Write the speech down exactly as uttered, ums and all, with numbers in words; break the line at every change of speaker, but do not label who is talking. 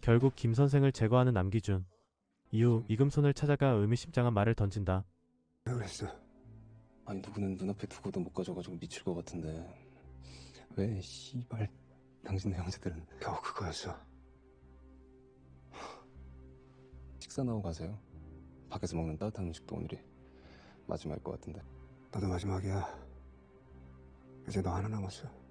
결국 김 선생을 제거하는 남기준. 이후 이금손을 찾아가 의미심장한 말을 던진다.
왜 그랬어?
아니 누구는 눈앞에 두고도 못 가져가지고 미칠 것 같은데 왜 씨발 당신네 형제들은
겨우 그거였어.
식사 나오고 가세요. 밖에서 먹는 따뜻한 음식도 오늘이 마지막일 것 같은데.
너도 마지막이야. 이제 너 하나 남았어.